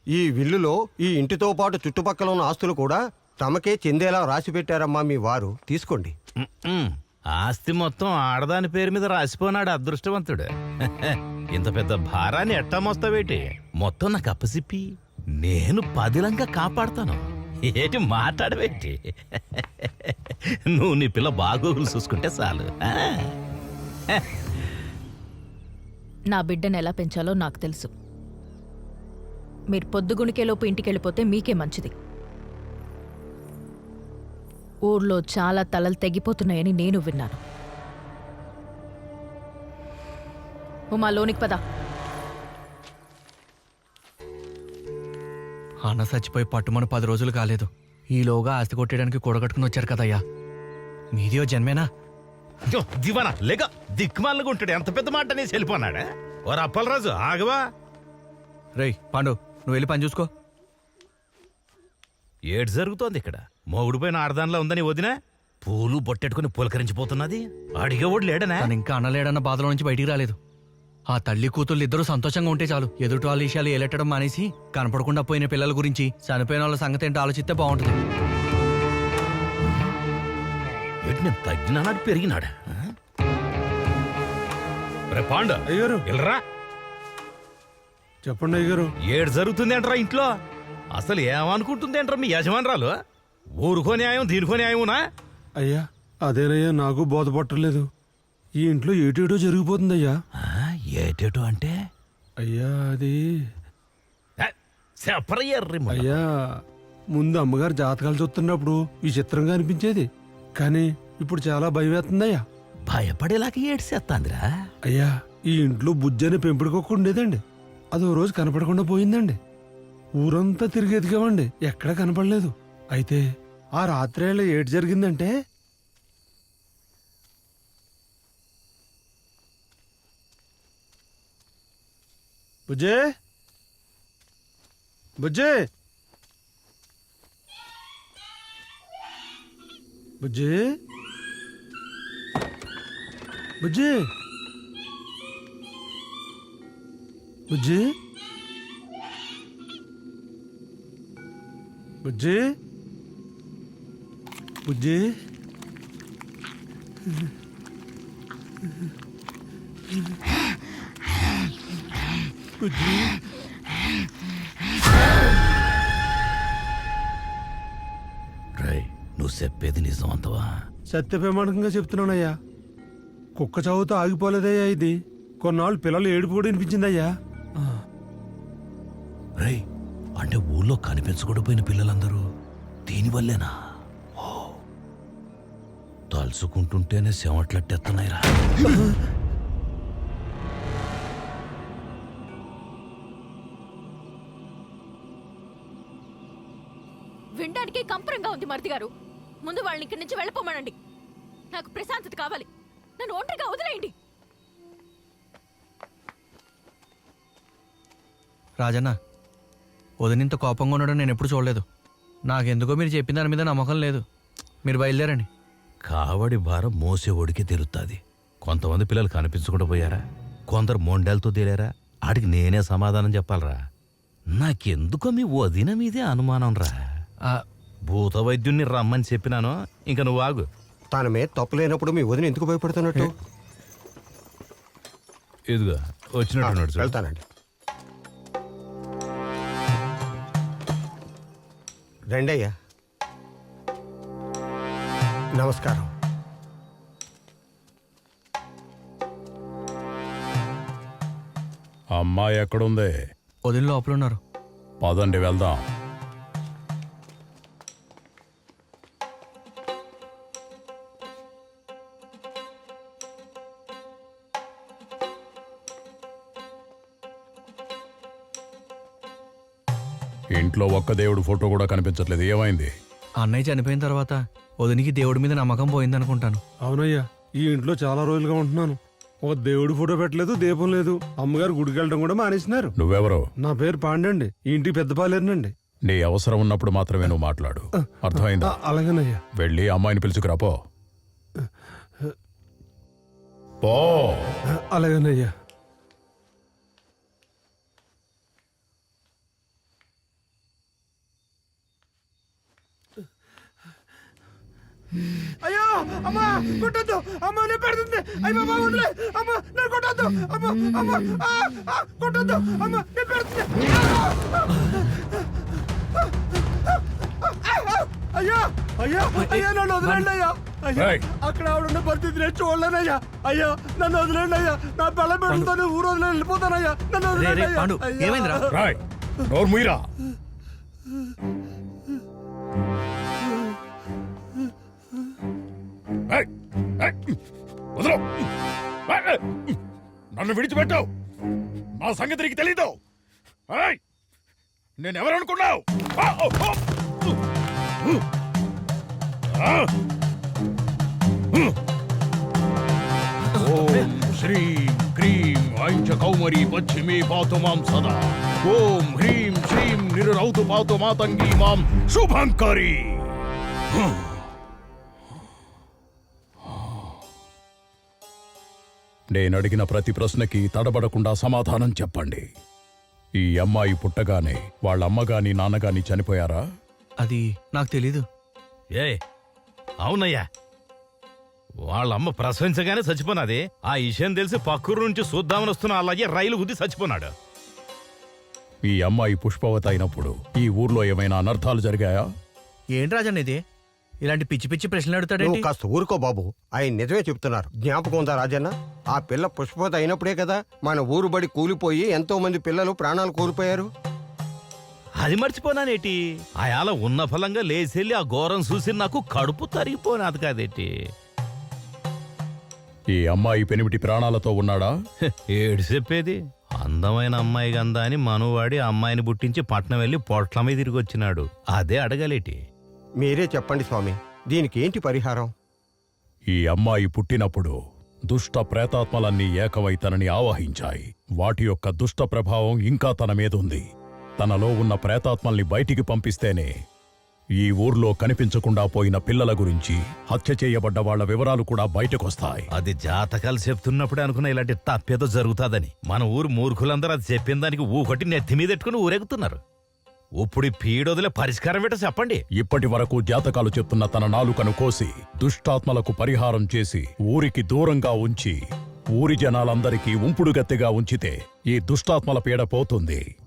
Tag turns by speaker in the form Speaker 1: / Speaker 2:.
Speaker 1: ఈ విల్లులో ఈ ఇంటితో పాటు చుట్టుపక్కల ఉన్న ఆస్తులు కూడా తమకే చెందేలా రాసి పెట్టారమ్మా మీ వారు. తీసుకోండి.
Speaker 2: ఆస్తి మొత్తం ఆడదాని పేరు మీద రాసిపోనాడు అదృష్టవంతుడు. ఇంత పెద్ద భారాన్ని ఎట్టా మోస్తావేటి? మొత్తం నాకు అప్పసిప్పి నేను పదిలంగా కాపాడతాను. ఏటి మాట్లాడవేటి? నువ్వు నీ పిల్ల బాగోగులు చూసుకుంటే చాలు.
Speaker 3: నా బిడ్డను ఎలా పెంచాలో నాకు తెలుసు. మీరు పొద్దుగుణికేలోపు ఇంటికెళ్ళిపోతే మీకే మంచిది. ఊర్లో చాలా తలలు తెగిపోతున్నాయని నేను విన్నాను. ఉమా, లోనికి పద.
Speaker 4: అన్న చచ్చిపోయి పట్టుమని 10 రోజులు కాలేదు. ఈలోగా ఆస్తి కొట్టేయడానికి కూడగట్టుకుని వచ్చారు కదయ్యా. మీదియో జన్మేనా?
Speaker 2: దివానా లేక దిక్కుమాలకు ఉంటాడు. ఎంత పెద్ద మాట అనేసి వెళ్ళిపోన్నాడా? ఓ అప్పలరాజు ఆగవా?
Speaker 4: రేయ్ పాండు, నువ్వు వెళ్ళి పని చూసుకో.
Speaker 2: ఏడు జరుగుతోంది ఇక్కడ? మొగుడు పైన ఆడదానిలో ఉందని వదిన పూలు బొట్టెట్టుకుని పులకరించిపోతున్నది. అడిగేవాడు లేడనా?
Speaker 4: తను ఇంకా అన్నలేడన్న బాధలో నుంచి బయటికి రాలేదు. ఆ తల్లి కూతుళ్ళు ఇద్దరూ సంతోషంగా ఉంటే చాలు. ఎదుటి వాళ్ళ విషయాలు ఏలెట్టడం మానేసి కనపడకుండా పోయిన పిల్లల గురించి, చనిపోయిన వాళ్ళ సంగతి ఏంటో ఆలోచిస్తే బాగుంటుంది.
Speaker 2: నేను తగ్గినాడు పెరిగినాడా? రే పాండు
Speaker 5: అయ్యారు
Speaker 2: వెళ్ళరా.
Speaker 5: చెప్పండి అయ్యారు.
Speaker 2: ఏడు జరుగుతుంది అంటారా ఇంట్లో? అసలు ఏమనుకుంటుంది అంటారా మీ యజమానురాలు? ఊరుకో న్యాయం దీనికో న్యాయమునా?
Speaker 5: అయ్యా అదేనయ్యా, నాకు బోధపట్టలేదు. ఈ ఇంట్లో ఏటేటో జరిగిపోతుంది అయ్యా.
Speaker 2: ఏటేటో అంటే?
Speaker 5: అయ్యా అది
Speaker 2: చెప్పరయ్యర్రి.
Speaker 5: అయ్యా ముందు అమ్మగారు జాతకాలు చూస్తున్నప్పుడు విచిత్రంగా అనిపించేది, కానీ ఇప్పుడు చాలా భయం వేస్తుందయ్యా.
Speaker 2: భయపడేలాగా ఏడ్చేస్తాందిరా.
Speaker 5: అయ్యా ఈ ఇంట్లో బుజ్జి అనే పెంపుడుకొక్క ఉండేదండి. అదో రోజు కనపడకుండా పోయిందండి. ఊరంతా తిరిగి ఎదిగామండి, ఎక్కడా కనపడలేదు. అయితే ఆ రాత్రేళ్ళ ఏటి జరిగిందంటే, బుజ్జే బుజ్జే బుజ్జే బుజ్జి బుజ్జి బుజ్జి బుజ్జి బుజ్జి
Speaker 2: రై, నువ్వు చెప్పేది నిజం అంతవా?
Speaker 5: సత్యప్రమాణకంగా చెప్తున్నానయ్యా. కుక్క చావుతో ఆగిపోలేదయ్యా ఇది. కొన్నాళ్ళు పిల్లలు ఏడుపు కూడా వినిపించిందయ్యా.
Speaker 2: రై, అంటే ఊళ్ళో కనిపించకుండా పోయిన పిల్లలందరూ దీనివల్లేనా? ఓ, తలుచుకుంటుంటేనే చెమట్లట్టేస్తున్నాయిరా.
Speaker 3: వినడానికి కంపరంగా ఉంది మరిది గారు. ముందు వాళ్ళని ఇక్కడి నుంచి వెళ్ళిపోమనండి. నాకు ప్రశాంతత కావాలి. నన్ను ఒంటరిగా వదిలేయండి.
Speaker 4: రాజన్న, వదినింత కోపంగా ఉండడం నేను ఎప్పుడు చూడలేదు. నాకెందుకో మీరు చెప్పిన దాని మీద నమ్మకం లేదు. మీరు బయలుదేరండి.
Speaker 2: కావడి భారం మోసేవాడికి తెలుస్తుంది. కొంతమంది పిల్లలు కనిపించకుండా పోయారా, కొందరు మొండాలతో తేలారా. ఆడికి నేనే సమాధానం చెప్పాలరా. నాకెందుకో మీ వదిన మీదే అనుమానం రా. భూత వైద్యుణ్ణి రమ్మని చెప్పినాను, ఇంకా నువ్వు ఆగు.
Speaker 1: తన మీద తప్పు లేనప్పుడు మీ వదిన ఎందుకు భయపడుతున్నట్టు?
Speaker 2: ఇదిగో వచ్చినట్టు
Speaker 1: వెళ్తానండి. రండయ్యా. నమస్కారం.
Speaker 6: అమ్మాయి ఎక్కడుంది?
Speaker 4: వదిన లోపల ఉన్నారు.
Speaker 6: పదండి వెళ్దాం. ఇంట్లో ఒక్క దేవుడు ఫోటో కూడా కనిపించట్లేదు. ఏమైంది?
Speaker 4: అన్నయ్య చనిపోయిన తర్వాత వదినికి దేవుడి మీద నమ్మకం పోయిందనుకుంటాను.
Speaker 5: అవునయ్యా, ఈ ఇంట్లో చాలా రోజులుగా ఉంటున్నాను. ఒక దేవుడి ఫోటో పెట్టలేదు, దీపం లేదు. అమ్మగారు గుడికి వెళ్ళడం కూడా మానేసినారు.
Speaker 6: నువ్వెవరు?
Speaker 5: నా పేరు పాండండి. ఈ ఇంటికి పెద్ద పాలేరునండి.
Speaker 6: నీ అవసరం ఉన్నప్పుడు మాత్రమే నువ్వు మాట్లాడు, అర్థమైందా?
Speaker 5: అలాగేనయ్యా.
Speaker 6: వెళ్ళి అమ్మాయిని పిలుచుకురా పో. పో.
Speaker 5: అలాగేనయ్యా. అయ్యో అమ్మా కొట్టద్దు అమ్మ నేను పెడుతుంది అయ్య బాబా వదిలే అమ్మ నేను కొట్టద్దు అమ్మ అమ్మ కొట్టద్దు అమ్మ నేను పెడుతుంది అయ్యా అయ్యా అయ్యా నన్ను వదిలేండి అయ్యా అయ్యా
Speaker 6: ఏయ్.
Speaker 5: అక్కడ ఆవిడ పరిస్థితి నేను చూడలేనయ్యా అయ్యా నన్ను వదిలేండి అయ్యా నా పిల్ల పెడుతుంది ఊరు వదిలే వెళ్ళిపోతానయ్యా నన్ను
Speaker 4: రే,
Speaker 5: వదిలేండి
Speaker 4: రే,
Speaker 5: అయ్యా.
Speaker 4: పాండు,
Speaker 5: అయ్యా.
Speaker 4: ఏమైందిరా?
Speaker 6: రాయ్ నోరు ముయిరా ఏయ్, ఏయ్, వదలు. ఏయ్, ఏయ్, నన్ను విడిచిపెట్టావు నా సంగతి నీకు తెలీదు ఏయ్, నేనెవరనుకున్నావు ఓం శ్రీం క్రీం ఐం చ కౌమరీ పశ్చిమే పాతు మాం సదా ఓం హ్రీం శ్రీం నిరురౌతు పాతు మాతంగీ మాం శుభంకరీ నేనడిగిన ప్రతి ప్రశ్నకి తడబడకుండా సమాధానం చెప్పండి. ఈ అమ్మాయి పుట్టగానే వాళ్ళ అమ్మగాని నాన్నగాని చనిపోయారా?
Speaker 4: అది నాకు తెలీదు.
Speaker 2: ఏ అవునయ్యా, వాళ్ళమ్మ ప్రసవించగానే చచ్చిపోనాది. ఆ విషయం తెలిసి పక్కూరు నుంచి చూద్దామని వస్తున్న అలాగే రైలు గుద్ది చచ్చిపోనాడు.
Speaker 6: ఈ అమ్మాయి పుష్పవతి అయినప్పుడు ఈ ఊర్లో ఏమైనా అనర్థాలు జరిగాయా?
Speaker 4: ఏంటి రాజన్న ఇది? ఇలాంటి పిచ్చి పిచ్చి ప్రశ్నలు
Speaker 1: నువ్వు
Speaker 4: అడుగుతాడేంటి?
Speaker 1: కాస్త ఊరుకో బాబు, ఆయన నిజమే చెప్తున్నారు. జ్ఞాపకం ఉందా రాజన్న? ఆ పిల్ల పుష్పవతి అయినప్పుడే కదా మన ఊరు బడి కూలిపోయి ఎంతో మంది పిల్లలు ప్రాణాలు కోల్పోయారు.
Speaker 2: అది మర్చిపోనానేటి? ఆయాల ఉన్న ఫలంగా లేచెల్లి ఆ ఘోరం చూసి నాకు కడుపు తరిగిపోనాది కాదేటి.
Speaker 6: ఈ అమ్మాయి పెనిమిటి ప్రాణాలతో ఉన్నాడా?
Speaker 2: ఏడు చెప్పేది. అందమైన అమ్మాయి గందా అని మనువాడి అమ్మాయిని పుట్టించి పట్నం వెళ్ళి పొట్ల మీద తిరిగి వచ్చినాడు. అదే అడగలేటి.
Speaker 1: మీరే చెప్పండి స్వామి, దీనికి ఏంటి పరిహారం?
Speaker 6: ఈ అమ్మాయి పుట్టినప్పుడు దుష్ట ప్రేతాత్మలన్నీ ఏకమై తనని ఆవహించాయి. వాటి యొక్క దుష్ట ప్రభావం ఇంకా తన మీదుంది. తనలో ఉన్న ప్రేతాత్మల్ని బయటికి పంపిస్తేనే ఈ ఊర్లో కనిపించకుండా పోయిన పిల్లల గురించి, హత్య చేయబడ్డ వాళ్ల వివరాలు కూడా బయటకొస్తాయి.
Speaker 2: అది జాతకాలు చెప్తున్నప్పుడే అనుకున్న ఇలాంటి తప్పేదో జరుగుతాదని. మన ఊరు మూర్ఖులందరూ అది చెప్పిన దానికి ఊకటి నెత్తి మీద ఎట్టుకుని ఊరెగుతున్నారు. ఇప్పుడు ఈ పీడొదిలే పరిష్కారం ఏంటో చెప్పండి.
Speaker 6: ఇప్పటి వరకు జాతకాలు చెప్తున్న తన నాలుకను కోసి దుష్టాత్మలకు పరిహారం చేసి ఊరికి దూరంగా ఉంచి ఊరి జనాలందరికీ ఉంపుడుగత్తెగా ఉంచితే ఈ దుష్టాత్మల పీడ పోతుంది.